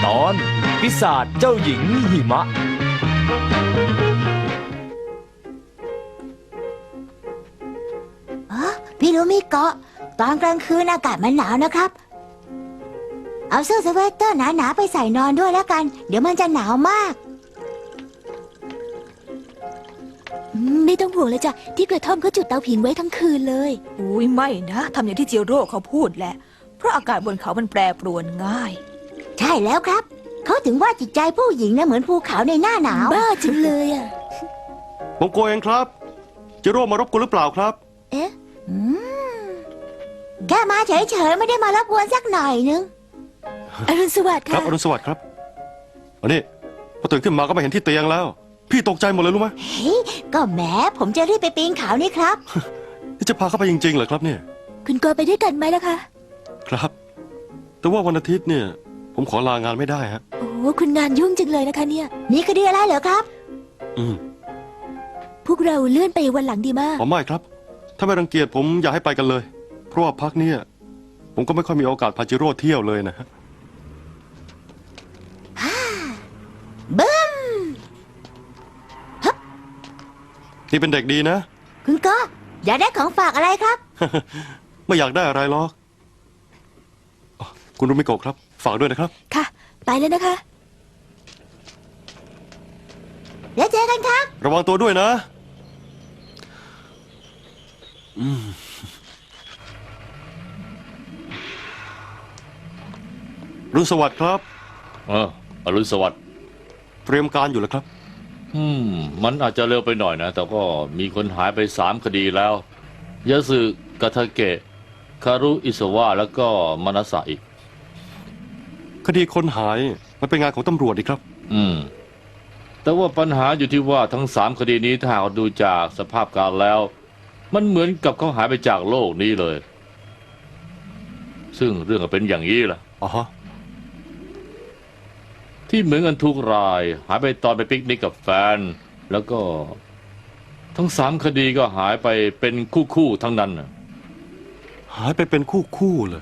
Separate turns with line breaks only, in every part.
ตอนปีศาจเจ้าหญิงหิมะ
พี่รู้มิโกะตอนกลางคืนอากาศมันหนาวนะครับเอาเสื้อสเวตเตอร์หนาๆไปใส่นอนด้วยแล้วกันเดี๋ยวมันจะหนาวมาก
ไม่ต้องห่วงเลยจ้ะที่กระท่อมเขาจุดเตาผิงไว้ทั้งคืนเลย
อุ้ยไม่นะทำอย่างที่จิโร่เขาพูดแหละเพราะอากาศบนเขามันแปรปรวนง่าย
ใช่แล้วครับเขาถึงว่าจิตใจผู้หญิงนะเหมือนภูเขาในหน้าหนาว
บ้าจังเลยอ่ะ
ผมโกเองครับจิโร่มารบกวนหรือเปล่าครับ
เอ๊ะ
แค่มาเฉยๆไม่ได้มารบกวนสักหน่อยนึง
อรุณสวัสดิ์
ครั
ค่ะ
บอรุณสวัสดิ์ครับอันนี้พอตื่นขึ้นมาก็ไม่เห็นที่เตียงแล้วพี่ตกใจหมดเลยรู้ไหม
เฮ้ยก็แหมผมจะรีบไปปีนเขานี่ครับ
นี่จะพาเข้าไปจริงๆเหรอครับเนี่ย
คุณกอไปด้วยกันไหมล่ะคะ
ครับแต่ว่าวันอาทิตย์เนี่ยผมขอลางานไม่ได้ฮะ
โอ้คุณงานยุ่งจังเลยนะคะเนี่ย
มีคดีอะไรเหรอครับ
พวกเราเลื่อนไปวันหลังดีมาก
อ๋อไม่ครับถ้าไม่รังเกียจผมอยากให้ไปกันเลยเพราะว่าพักเนี่ยผมก็ไม่ค่อยมีโอกาสพาจิโร่เที่ยวเลยนะฮะ
บึ้ม
นี่เป็นเด็กดีนะ
คุณก็อยากได้ของฝากอะไรครับ
ไม่อยากได้อะไรหรอกคุณรุมิโกะครับฝากด้วยนะครับ
ค่ะไปแล้วนะคะ
เดี๋ยวเจอกันครับ
ระวังตัวด้วยนะรุ่งสวัสดิ์ครับ
อรุณสวัสดิ์
เตรียมการอยู่แล้วครับ
มันอาจจะเร็วไปหน่อยนะแต่ก็มีคนหายไป3 คดีแล้วยาสึกาทาเกะคารุอิสวะแล้วก็มานาสะอีก
คดีคนหายมันเป็นงานของตำรวจดีครับ
แต่ว่าปัญหาอยู่ที่ว่าทั้ง3 คดีนี้ถ้าหากดูจากสภาพการแล้วมันเหมือนกับเขาหายไปจากโลกนี้เลยซึ่งเรื่องก็เป็นอย่างนี้ล่ะที่เหมือนกันทุกรายหายไปตอนไปปิกนิกกับแฟนแล้วก็ทั้ง3 คดีก็หายไปเป็นคู่ทั้งนั้น
หายไปเป็นคู่เลย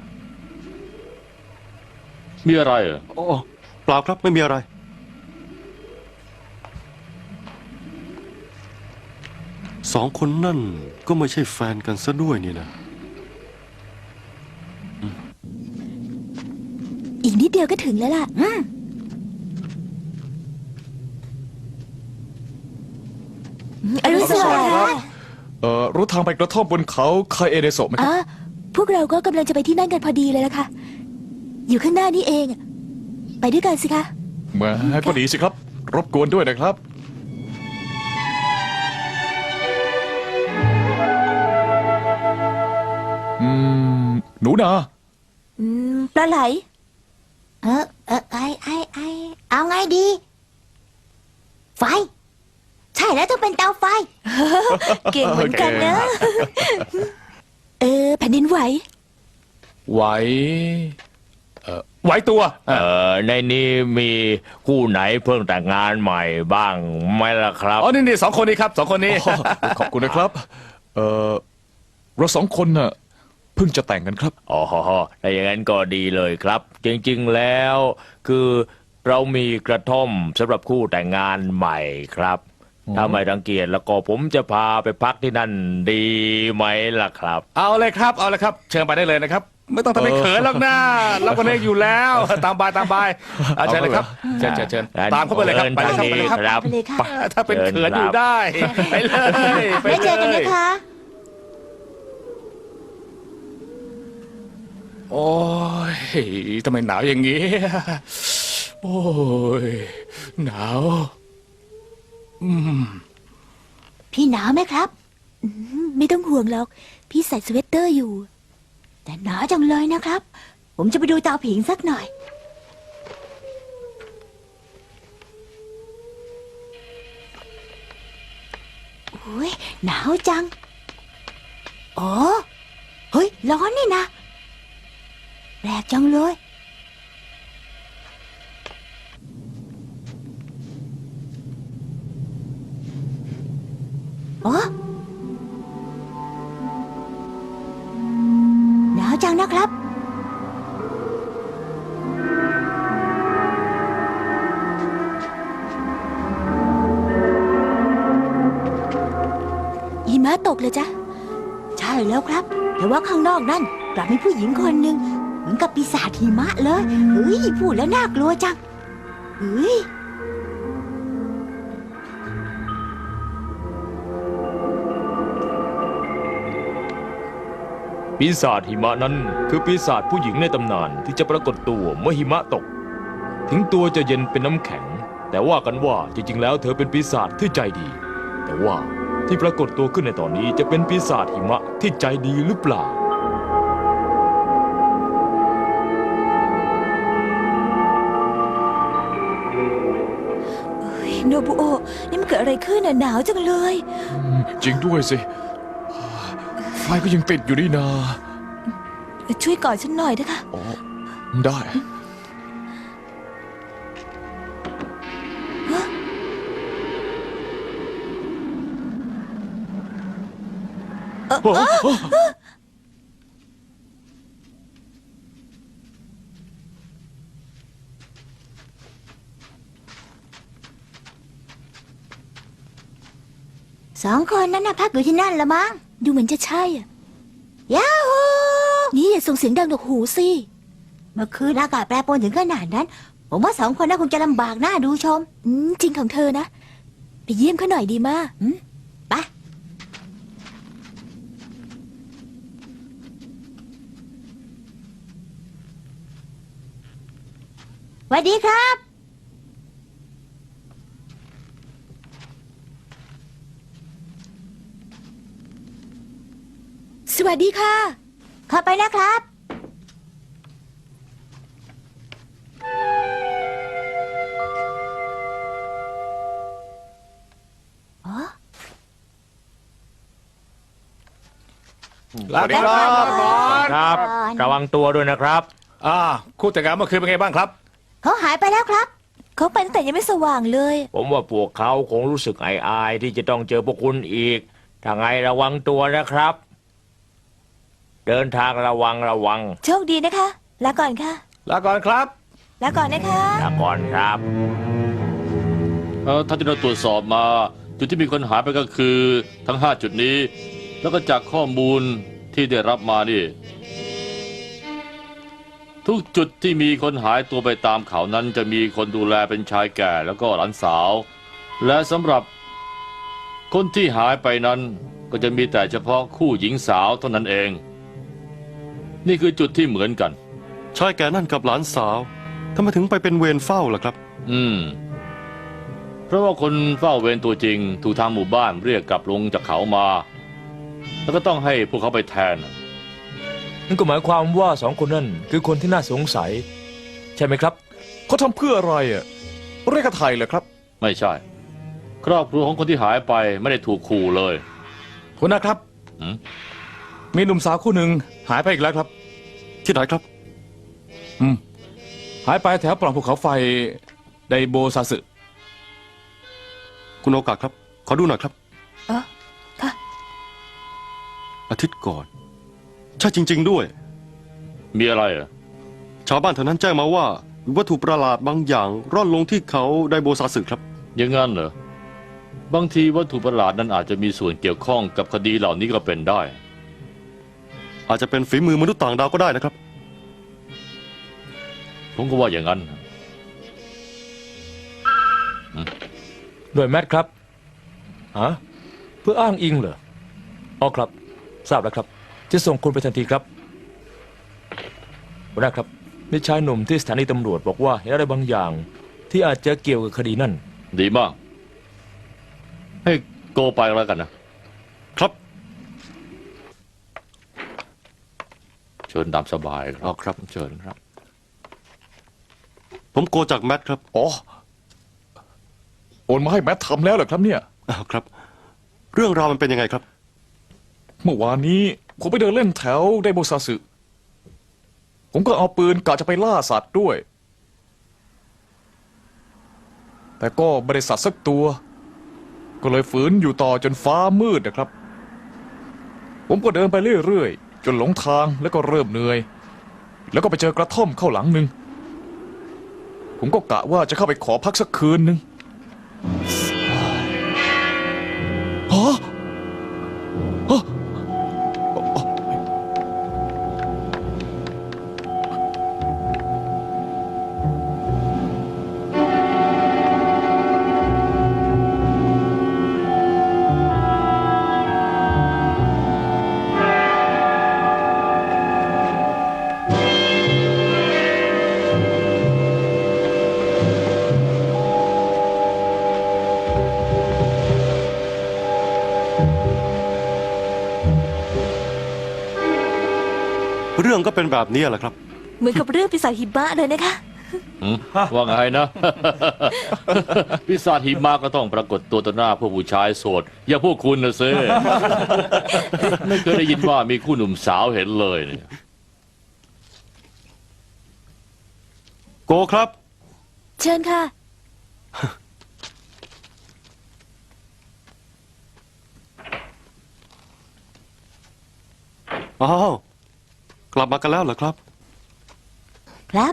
มีอะไรเหรอ
เปล่าครับไม่มีอะไร2 คนนั่นก็ไม่ใช่แฟนกันซะด้วยนี่นะ
อีกนิดเดียวก็ถึงแล้วล่ะอรุณสวัสดิ์ครับ
รู้ทางไปกระท่อมบนเขาคาเอเดโซะไหมครับ
พวกเราก็กำลังจะไปที่นั่นกันพอดีเลยล่ะค่ะอยู่ข้างหน้านี่เองไปด้วยกันสิคะ
แหมก็ดีสิครับรบกวนด้วยนะครับหนูนา
ปลาไหล
เอาไงดีไฟใช่แล้วต้องเป็นเตาไฟ
เก่งเหมือนกันนะแผ่นดินไหว
ไหวตัว
ในนี้มีคู่ไหนเพิ่งแต่งงานใหม่บ้างไหมล่ะครับ
นี่2 คนนี้ครับ2 คนนี้ขอบคุณนะครับเรา2 คนน่ะเพิ่งจะแต่งกันครับ
ถ้าอย่างนั้นก็ดีเลยครับจริงๆแล้วคือเรามีกระท่อมสำหรับคู่แต่งงานใหม่ครับถ้าไม่รังเกียจแล้วก็ผมจะพาไปพักที่นั่นดีไหมล่ะครับ
เอาเลยครับเชิญไปได้เลยนะครับไม่ต้องทำให้เขินหรอกนะเราก็เล่นอยู่แล้วตามบายเชิญเลยครับเชิญตามเข้าไปเลยครับไปเลยครับถ้าเป็นเขินอยู่ได้ไปเลย
ไปเจอกันนะคะ
โอ้ยทำไมหนาวอย่างนี้โอ้ยหนาว
พี่หนาวไหมครับ
ไม่ต้องห่วงหรอกพี่ใส่สเวตเตอร์อยู่
แต่หนาวจังเลยนะครับผมจะไปดูเตาผิงสักหน่อยโอ้ยหนาวจังเฮ้ยร้อนนี่นะแปลกจังเลยหนาวจังนะครับ
ะตกเลยจ๊ะ
ใช่แล้วครับ แต่ว่าข้างนอกนั่นกลับมีผู้หญิงคนหนึ่งเหมือนกับปีศาจหิมะเลยเฮ้ยพูดแล้วน่ากลัวจังเฮ้ย
ปีศาจหิมะนั้นคือปีศาจผู้หญิงในตำนานที่จะปรากฏตัวเมื่อหิมะตก ถึงตัวจะเย็นเป็นน้ำแข็ง แต่ว่ากันว่าจริงๆแล้วเธอเป็นปีศาจที่ใจดี แต่ว่าที่ปรากฏตัวขึ้นในตอนนี้จะเป็นปีศาจหิมะที่ใจดีหรือเปล่า
โนบุโอะนี่มันเกิดอะไรขึ้นน่ะหนาวจังเลย
จริงด้วยสิ ไฟก็ยังติดอยู่นี่นา
ช่วยกอดฉันหน่อยนะคะ
อ๋อได้
สองคนนั้นน่ะพักอยู่ที่นั่นละมั้ง
ดูเหมือนจะใช่อะ
ยาฮู
นี่อย่าส่งเสียงดังหนวกหูสิ
เมื่อคืนอากาศแปรปรวนถึงขนาดนั้น ผมว่าสองคนน่าคงจะลำบากหน้าดูชม
จริงของเธอนะ ไปเยี่ยมเขาหน่อยดีมาก
ไปสวัสดีครับ
สวัสดีค่ะ
เข้าไปนะครับ อ๋อ
สวัสดีครับบอล
ครับ ระวังตัวด้วยนะครับ
คู่แต่งงานเมื่อคืนเป็นไงบ้างครับ
เขาหายไปแล้วครับ
เขาไปตั้งแต่ยังไม่สว่างเลย
ผมว่าพวกเขาคงรู้สึกอายๆที่จะต้องเจอพวกคุณอีก ถ้าไงระวังตัวนะครับ เดินทางระวัง
โชคดีนะคะ ลาก่อนค่ะ
ลาก่อนครับ
ลาก่อนนะคะ
ลาก่อนครับ
ถ้าที่เราตรวจสอบมาจุดที่มีคนหายไปก็คือทั้ง 5 จุดนี้ แล้วก็จากข้อมูลที่ได้รับมานี่ ทุกจุดที่มีคนหายตัวไปตามเขานั้นจะมีคนดูแลเป็นชายแก่แล้วก็หลานสาว และสำหรับคนที่หายไปนั้นก็จะมีแต่เฉพาะคู่หญิงสาวเท่านั้นเอง นี่คือจุดที่เหมือนกัน
ชายแก่นั่นกับหลานสาวทำไมถึงไปเป็นเวรเฝ้าล่ะครับ
เพราะว่าคนเฝ้าเวรตัวจริงถูกทางหมู่บ้านเรียกกลับลงจากเขามา แล้วก็ต้องให้พวกเขาไปแทน
นั่นก็หมายความว่าสองคนนั่นคือคนที่น่าสงสัย ใช่ไหมครับ
เขาทำเพื่ออะไรอ่ะเรียกไทยเหรอครับ
ไม่ใช่ ครอบครัวของคนที่หายไปไม่ได้ถูกขู่เลย
คุณนะครับ
หืม
มีหนุ่มสาวคู่หนึ่งหายไปอีกแล้วครับ
ที่ไหนครับ
หายไปแถวปล่องภูเขาไฟไดโบซาสึ
คุณโอกาสครับ ขอดูหน่อยครับ
อ๋อค่ะ
อาทิตย์ก่อน ใช่จริง ๆ ด้วย
มีอะไรเหรอ
ชาวบ้านแถวนั้นแจ้งมาว่ามีวัตถุประหลาดบางอย่าง ร่อนลงที่เขาไดโบซาสึครับ
อย่างงั้นเหรอ บางทีวัตถุประหลาดนั้นอาจจะมีส่วนเกี่ยวข้องกับคดีเหล่านี้ก็เป็นได้
อาจจะเป็นฝีมือมนุษย์ต่างดาวก็ได้นะครับ
ผมก็ว่าอย่างนั้น
ด้วยแมทครับฮะเพื่ออ้างอิงเหรออ๋อครับ ทราบแล้วครับ จะส่งคนไปทันทีครับหัวหน้าครับมีชายหนุ่มที่สถานีตำรวจบอกว่าเห็นอะไรบางอย่าง ที่อาจจะเกี่ยวกับคดีนั่น
ดีมาก ให้โกไปแล้วกันนะ
ครับ
เชิญตามสบายค
อ๋
รั
อบ ครับ
เชิญครับ
ผมโกจากแมทครับ
อ๋อ โอนมาให้แมททำแล้วเหรอครับเนี่ย
อ้าวครับ เรื่องราวมันเป็นยังไงครับ
เมื่อวานนี้ผมไปเดินเล่นแถวไดโบซาสึ ผมก็เอาปืนกะจะไปล่าสัตว์ด้วย แต่ก็ไม่ได้สัตว์สักตัว ก็เลยฝืนอยู่ต่อจนฟ้ามืดนะครับ ผมก็เดินไปเรื่อยๆ จนหลงทางแล้วก็เริ่มเหนื่อย แล้วก็ไปเจอกระท่อมเข้าหลังหนึ่ง ผมก็กะว่าจะเข้าไปขอพักสักคืนหนึ่งฮะ
รื่องก็เป็นแบบนี้แหละครับ
เหมือนกับเรื่องปีศาจหิมะเลยนะคะ
หืมว่าไงนะ พิศาจหิมะก็ต้องปรากฏตัวต่อหน้าพวกผู้ชายโสด อย่างพวกคุณนะซิ ไม่เคยได้ยินว่ามีคู่หนุ่มสาวเห็นเลยเนี่ย
โกครับ
เชิญค่ะ
อ้าว กลับมากันแล้วเหรอครับ
ครับ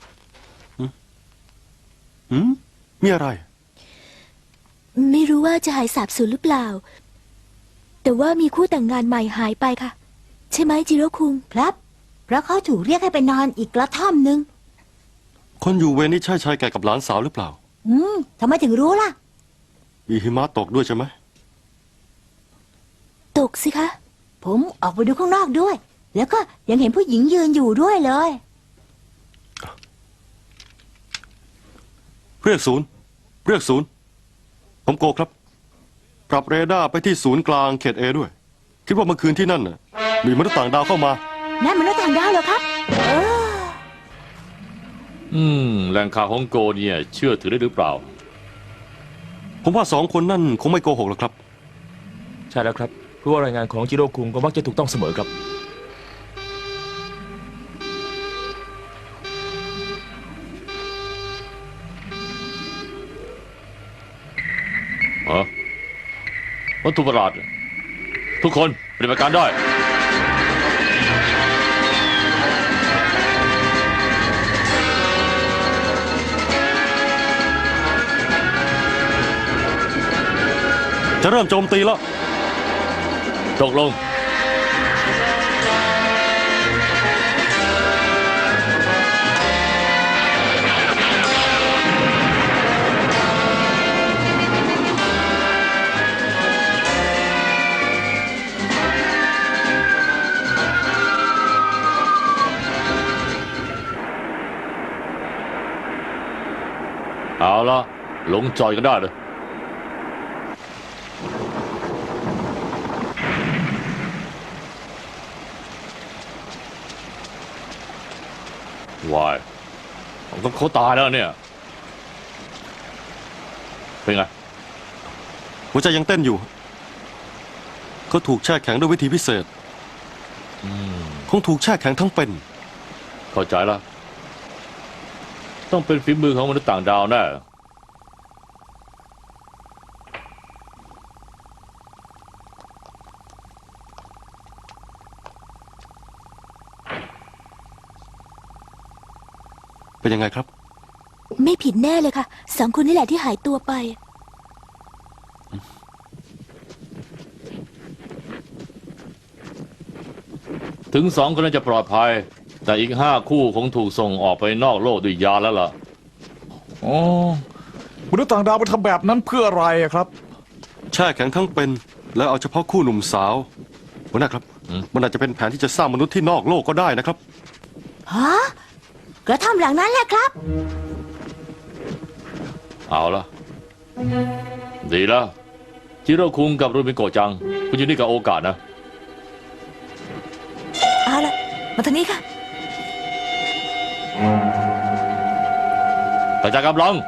หืมมีอะไร
ไม่รู้ว่าจะหายสาบสูญหรือเปล่า แต่ว่ามีคู่แต่งงานใหม่หายไปค่ะ ใช่ไหมจิโร่คุง
ครับ เพราะเขาถูกเรียกให้ไปนอนอีกกระท่อมหนึ่ง
คนอยู่เวรนี่ใช่ชายแก่กับหลานสาวหรือเปล่า
ทำไมถึงรู้ล่ะ
มีหิมะตกด้วยใช่ไหม
ตกสิคะ
ผมออกไปดูข้างนอกด้วย แล้วก็ยังเห็นผู้หญิงยืนอยู่ด้วยเลย
เรียกศูนย์ เรียกศูนย์ ผมโกครับ ปรับเรดาร์ไปที่ศูนย์กลางเขตเอด้วย คิดว่าเมื่อคืนที่นั่นน่ะ มีมนุษย์ต่างดาวเข้ามา
นั่นมนุษย์ต่างดาวเหรอครับ
แหล่งข่าวของโกเนี่ยเชื่อถือได้หรือเปล่า
ผมว่า2 คนนั่นคงไม่โกหกหรอกครับ
ใช่แล้วครับเพราะว่ารายงานของจิโร่คุงก็มักจะถูกต้องเสมอครับ
วัตถุประหลาด ทุกคนปฏิบัติการได้
จะเริ่มโจมตีแล้ว
ตกลง เอาละลงจอยกันได้เลย วายผมต้องเขาตายแล้วเนี่ย เป็นไง
หัวใจยังเต้นอยู่ เขาถูกแช่แข็งด้วยวิธีพิเศษ คงถูกแช่แข็งทั้งเป็น
เข้าใจแล้ว ต้องเป็นฝีมือของมนุษย์ต่างดาวแน่
เป็นยังไงครับ
ไม่ผิดแน่เลยค่ะ2 คนนี่แหละที่หายตัวไป
ถึง2 คนนั้นจะปลอดภัย แต่อีก5 คู่คงถูกส่งออกไปนอกโลกด้วยยาแล้วล่ะ
อ๋อมนุษย์ต่างดาวไปทำแบบนั้นเพื่ออะไรอะครับ
แช่แข็งทั้งเป็น แล้วเอาเฉพาะคู่หนุ่มสาวหัวหน้าครับ มันอาจจะเป็นแผนที่จะสร้างมนุษย์ที่นอกโลกก็ได้นะครับ
ฮะ กระท่อมหลังนั้นแหละครับ
เอาละดีแล้วจิโร่คุงกับรูมิโกะจัง คุณอยู่นี่กับโอกาสนะ
เอาละมาทางนี้ค่ะ
กระจายกำลัง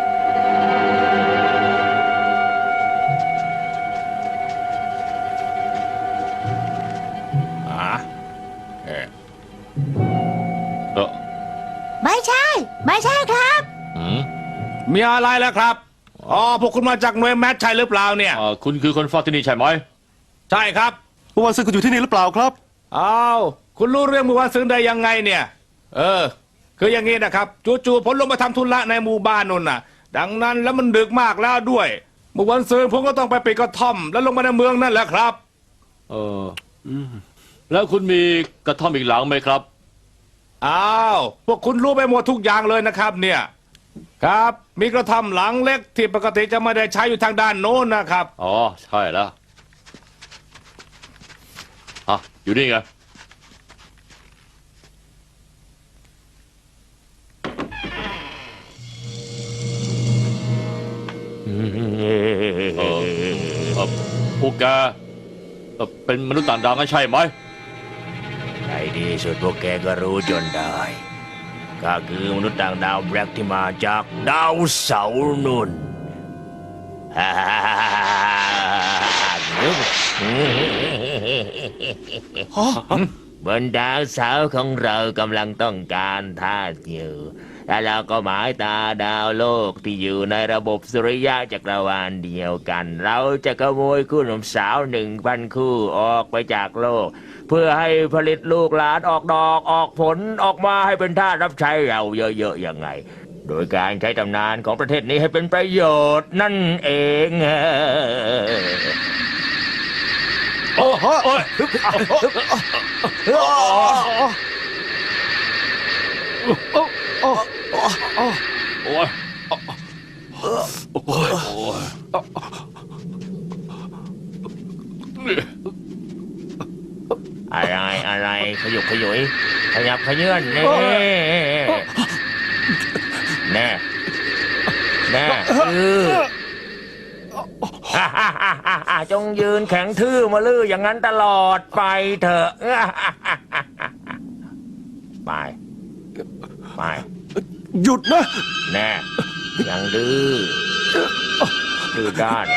เออ
ไม่ใช่ ไม่ใช่ครับ
อืม
มีอะไรแล้วครับ อ๋อ พวกคุณมาจากหน่วยแมทใช่หรือเปล่าเนี่ย
คุณคือคนเฝ้าที่นี่ใช่ไหม
ใช่ครับ
เมื่อวานซื้อคุณอยู่ที่นี่หรือเปล่าครับ
อ้าวคุณรู้เรื่องเมื่อวานซื้อได้ยังไงเนี่ย คืออย่างนี้นะครับจู่ๆผมลงมาทำธุระในหมู่บ้านนู่นน่ะ ดังนั้นแล้วมันดึกมากแล้วด้วย เมื่อวันซื้อผมก็ต้องไปปิดกระท่อม แล้วลงมาในเมืองนั่นแหละครับ
แล้วคุณมีกระท่อมอีกหลังไหมครับ
อ้าวพวกคุณรู้ไปหมดทุกอย่างเลยนะครับ เนี่ย ครับมีกระท่อมหลังเล็กที่ปกติจะไม่ได้ใช้อยู่ทางด้านโน้นนะครับ
อ๋อ ใช่แล้วอยู่นี่ไง พวกแกเป็นมนุษย์ต่างดาวงั้นใช่ไหม
ไงดีที่สุดพวกแกก็รู้จนได้ก็คือมนุษย์ต่างดาวแบล็กที่มาจากดาวเสาร์นุ่น บนดาวเสาร์ของเรากำลังต้องการทาสอยู่และเราก็หมายตาดาวโลกที่อยู่ในระบบสุริยะจักรวาลเดียวกันเราจะขโมยคู่หนุ่มสาว1,000 คู่ออกไปจากโลก เพื่อให้ผลิตลูกหลานออกดอกออกผลออกมาให้เป็นทาสรับใช้เราเยอะๆยังไง โดยการใช้ตำนานของประเทศนี้ให้เป็นประโยชน์นั่นเอง
โอ้โหโอ้ย
โอ้ย
อะไรขยุกขยุยขยับขยื่นนี่แน่จงยืนแข็งทื่อมาลื้ออย่างนั้นตลอดไปเถอะไป
หยุดนะ
แน่ยังดื้อด้าน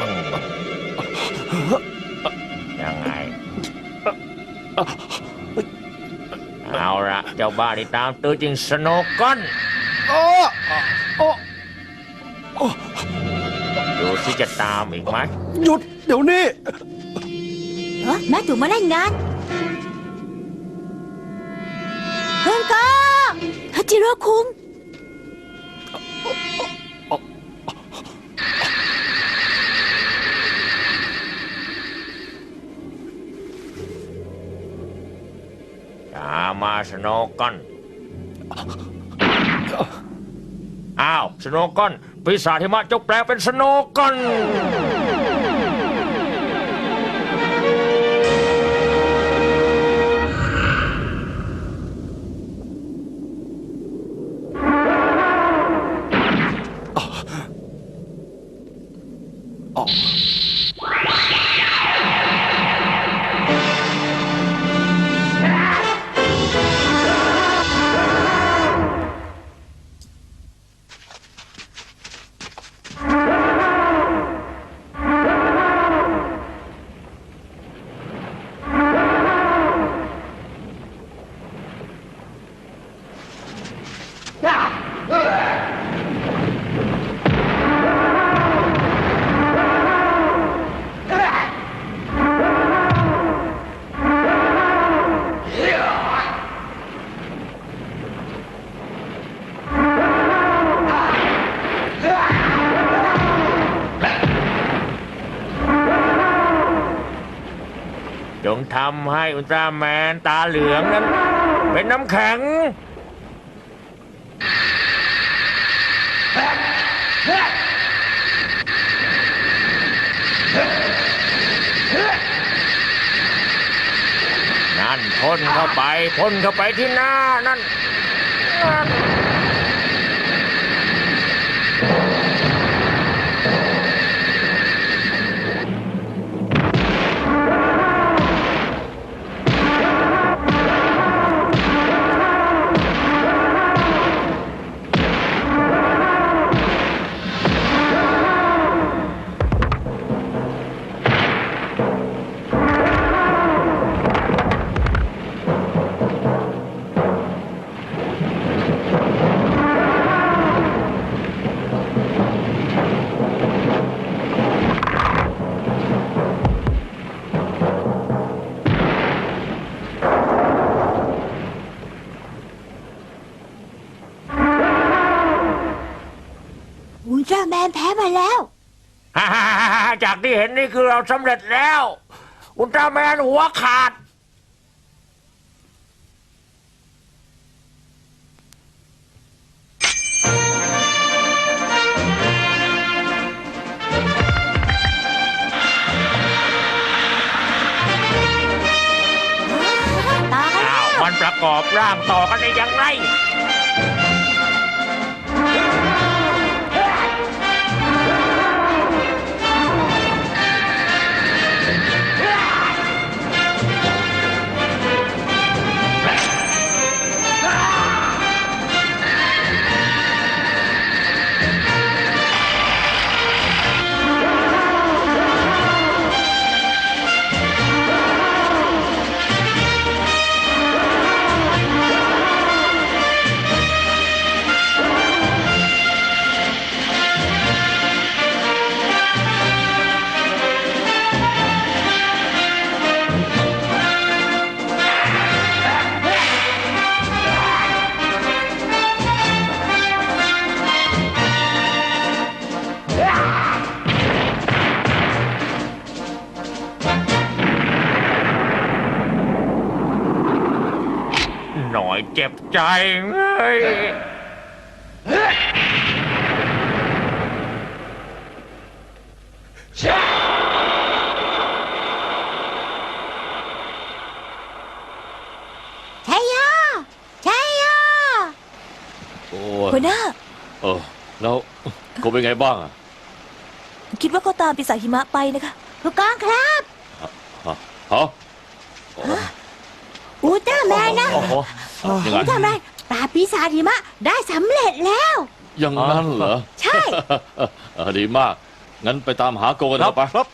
ยังไงเอาละเจ้าบ้าที่ตามตัวจริงสโนว์ก้อนดูสิจะตามอีกไหม
หยุดเดี๋ยวนี้
แม่ถูกมาเล่นงานเพื่อนก็
ฮัจิโร่คุง
ตามมาสโนว์ก้อนอ้าวสโนว์ก้อนปีศาจหิมะจกแปลงเป็นสโนว์ก้อนจงทำให้อุลตร้าแมนตาเหลืองนั้นเป็นน้ำแข็งนั่นพ่นเข้าไปที่หน้านั่น
อุลตร้าแมนแพ้มาแล้ว
จากที่เห็นนี่คือเราสำเร็จแล้ว อุลตร้าแมนหัวขาด
ต่อกัน
อ้าว มันประกอบร่างต่อกันได้อย่างไร อยเจ็บใจเฮ้ย
ชัยโยชัยโย
โอ้
หัวหน้า
แล้วโกเป็นไงบ้างอะ
คิดว่าเขาตามปีศาจหิมะไปนะคะ
ผู้กองครับ
ฮะ
อูเตอร์แมนนะ
โอ้โหยังไง
อูเตอร์แมนปราบปีศาจหิมะได้สำเร็จแล้ว
อย่างนั้นเหรอ
ใช่
ดีมาก งั้นไปตามหาโกกันเถอะไป
ครับ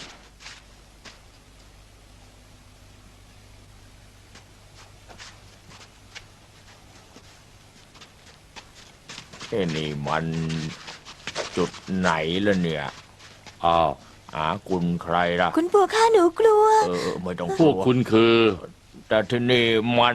นี่มันจุดไหนล่ะเนี่ย
อ้าว
หาคุณใครล่ะ
คุณปู่ข้าหนูกลัว
ไม่ต้อง
พวกคุณคือ
แต่ที่นี่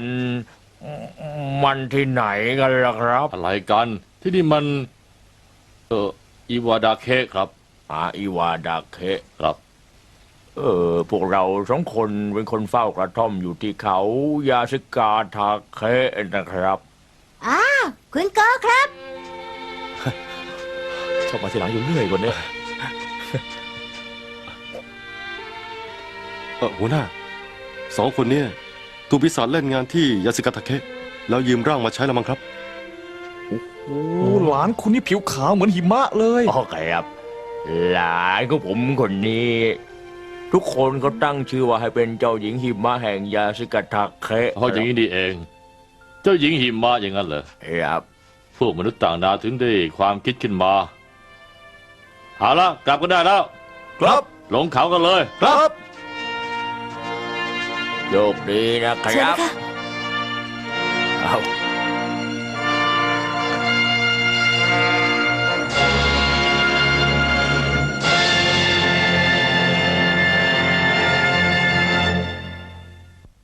มันที่ไหนกันล่ะครับ
อะไรกัน ที่นี่มัน อีวาดาเคครับ
อีวาดาเคะ
ครับ
พวกเราสองคนเป็นคนเฝ้ากระท่อมอยู่ที่เขายาสิกาทาเคะนะครับ
อ้าวคุณโกครับ
ชอบมาทีหลังอยู่เรื่อยกว่านี้
หัวหน้าสองคนเนี่ยถูกปีศาจเล่นงานที่ยาสิกาทาเคะแล้วยืมร่างมาใช้ละมั้งครับ
โอ้หลานคุณนี่ผิวขาวเหมือนหิมะเลย
โอเคครับ หลานของผมคนนี้ ทุกคนก็ตั้งชื่อว่าให้เป็นเจ้าหญิงหิมะแห่งยาสิกาทาเคะ
เพราะอย่างนี้นี่เอง เจ้าหญิงหิมะอย่างนั้นเหรอ
ครับ
พวกมนุษย์ต่างดาวถึงได้ความคิดขึ้นมา เอาละกลับกันได้แล้ว
ครับ
ลงเขากันเลย
ครับ
โชคดีนะค
เชิญ
รับ
เลยค่ะ
เอา